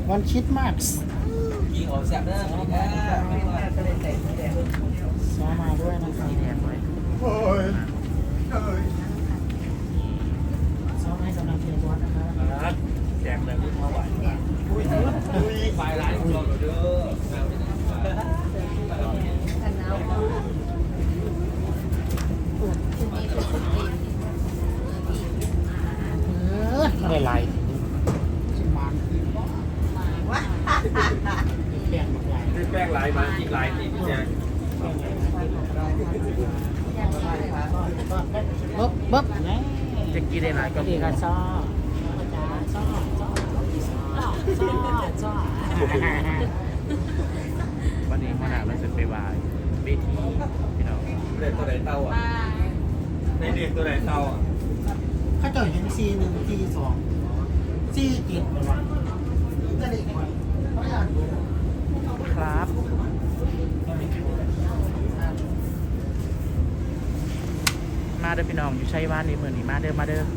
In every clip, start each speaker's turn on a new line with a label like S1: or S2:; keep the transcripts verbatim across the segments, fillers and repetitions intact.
S1: วันคริสต์มาส
S2: กี่ของแซ่บเด้อสวัสดีครับ
S1: ซ้อมมาด้วยนะครับ
S3: แดงเลย
S4: โอ้ยเอ้ย
S1: ซ้อมให้กำลังเชียร์บอสนะครับ
S2: ครับแจกเลยพูดมาไหวอุ้ยอุ้ยไฟร้ายของเราเด้อ
S5: กันเอาชุดนี้เป็นชุดจีน
S1: เออไม่ไรชิมมัน
S5: วะ
S1: แป้งบักไหล
S2: ได้แป้งลายมาอีกลายที่พี่แจก
S1: บ๊บบ๊บนี่
S3: จะกินได้หลายก็
S1: ดีกันซ้อจ้าซ้อซ้อซ้อซ้อ
S3: วันนี้มาหนาเราจะไปวายเวทีพี่น้อง
S2: เด็กตัวไหนเต้าอ่ะในเด็กตัวไหนเต้าอ่ะ
S1: ข้าเจ้าเห็นซีหนึ่งซีสองซีเจ็ดเลยวะจะได้ไหมไม่อยากดู
S3: ครับ มาเด้อพี่น้องอยู่ชัยบ้านนี้เมืองนี้มาเด้อมาเด้อ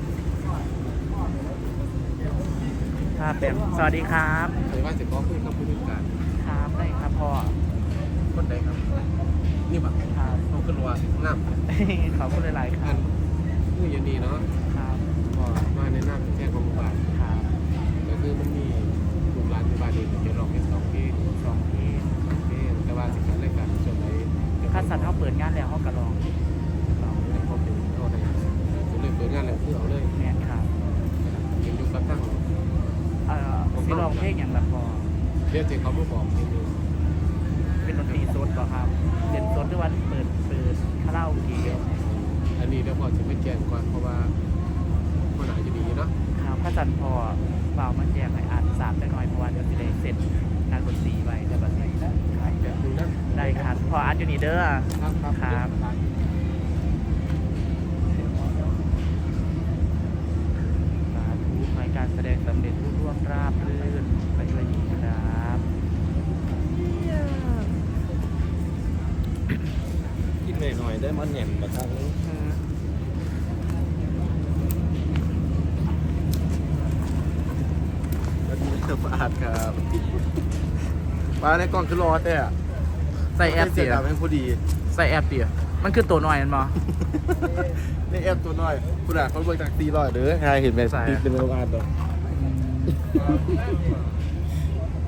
S3: ครับเป็นสวัสดีครับ
S4: ใครว่าจะขอคุยกับผู้จัดการ
S3: ครับได้ครับพ่อ
S4: คนใดครับ นี่บัก
S3: ครับ
S4: เขาขึ้นว่าน้ำ
S3: ขอบคุณหลายๆค
S4: อั
S3: รับ
S4: นผู้ยันดีเนาะ
S3: ครับ
S4: ก็มาในน้ำแจ้งของหมู่บ้าน
S3: ครับ
S4: ก็คือมันมีกลุ่มร้านหมู่บ้านนี้จะร้องแค่สองเพลง
S3: สองที่
S4: เพลงแต่ว่าสินค้ารายการส่วนไหน
S3: ข้าสัตว์เขาเปิดงานแล้วเขากระลองลอง
S4: ในความเป็นเท่าใดจะเลยเปิดงานแล้วคือเอาเลย
S3: เนี่ยครับ
S4: ยังอยู่กับตั้ง
S3: เอ่อสิลองเพลงอย่างละพอ
S4: เดี๋ยวจะเขามาบอกเพลงนึง
S3: เป็นดนตรีสดป่ะครับเป็นสดด้วยวันเปิดเปิดคาราโอเกะ
S4: อันนี้เดี๋ยวพอจะไม่แจ้งก่อนเพราะว่าคนอาจจะดีเนาะ
S3: ครับข้าสันพอเปล่ามาแจกให้อ่านสามได้หน่อยเพราะว่าเดี๋ยวจะได้เสร็จงานดนตรีไว้ได้บัดนี้ได้
S4: แบบนึงนะ
S3: ได้ครับพออ่านอยู่นี่เด้อ
S4: ครับครับ
S3: ครับสาธุขอให้การแสดงสำเร็จรุ่ร่วงราบรื่นไปด้วยดีครับ
S2: กินหน่อยๆได้มันแหนมมาทางนี้
S3: อืม
S4: วันนี้สะอาดครับมาในกล้องคือรอแต่
S3: ใส่แอป
S4: เสี
S3: เตี๋
S4: ย
S3: ย
S4: งพอดี
S3: ใส่แอปเตี๋ยมันคือตัวหน่อยมันบ่
S4: ในแอปตัวน้อยคุณอ่ะเขาเบิกจากตีร้อยเด้อใครเห็นไหม
S3: ใส่
S4: ติดเป็นโรงงานตัว